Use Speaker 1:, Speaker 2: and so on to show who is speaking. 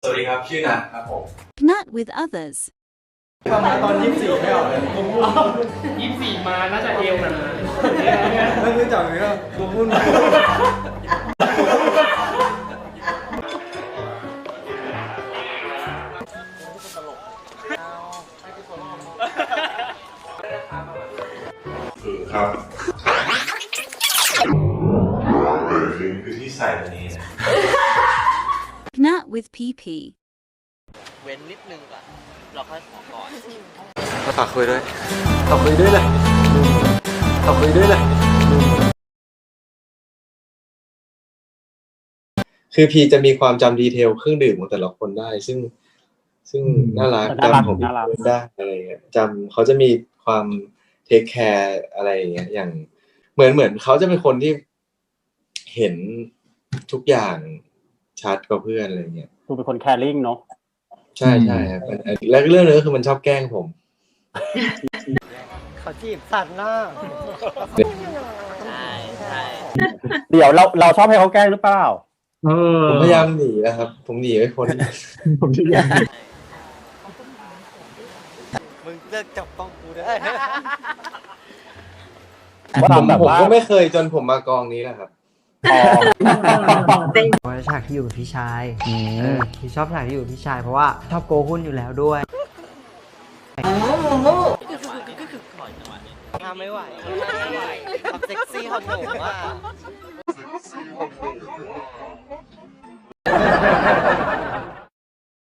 Speaker 1: สวัสดีครับชื่อนัทครับผม
Speaker 2: Not with others.
Speaker 3: มาตอน24ไม่ออกเลยผมพูด
Speaker 4: 24มาน่าจะเอวหนา
Speaker 3: แล้วรู้จักไหมครับผมพูด
Speaker 1: ครับคือที่ใส่ตัวนี้นะ
Speaker 2: Not with PP.
Speaker 5: เว้นนิดนึงก่อนเราค่อยขอก่อน
Speaker 3: ฝากคุยด้วยฝากคุยด้วยเลยฝากคุยด้วยเลยคือพีจะมีความจำดีเทลเครื่องดื่มของแต่ละคนได้ซึ่งน่ารักจำของพี่ได้อะไรเงี้ยจำเขาจะมีความเทคแคร์อะไรอย่างเงี้ยอย่างเหมือนเขาจะเป็นคนที่เห็นทุกอย่างชัดกว่าเพื่อนอะไรเงี้ย
Speaker 4: ดูเป็นคนแคร์ริ่งเนาะ
Speaker 3: ใช่ครับแล้วเรื่องนึงก็คือมันชอบแกล้งผมเขาจีบสัตว์หน้า
Speaker 5: ใช่
Speaker 4: เดี๋ยวเราชอบให้เขาแกล้งหรือเปล่า
Speaker 3: ผมพยายามหนีนะครับผมหนีไม่พ้นผมพยายาม
Speaker 5: มึงเลิกจับต้องกูได้
Speaker 3: ผมก็ไม่เคยจนผมมากองนี้แหละครับ
Speaker 6: เพราะฉากที่อยู่กับพี่ชายพี่ชอบฉากที่อยู่กับพี่ชายเพราะว่าชอบโกหุ้นอยู่แล้วด้วย
Speaker 5: ทำไม่ไหวความเซ็กซี่ของหนูว่า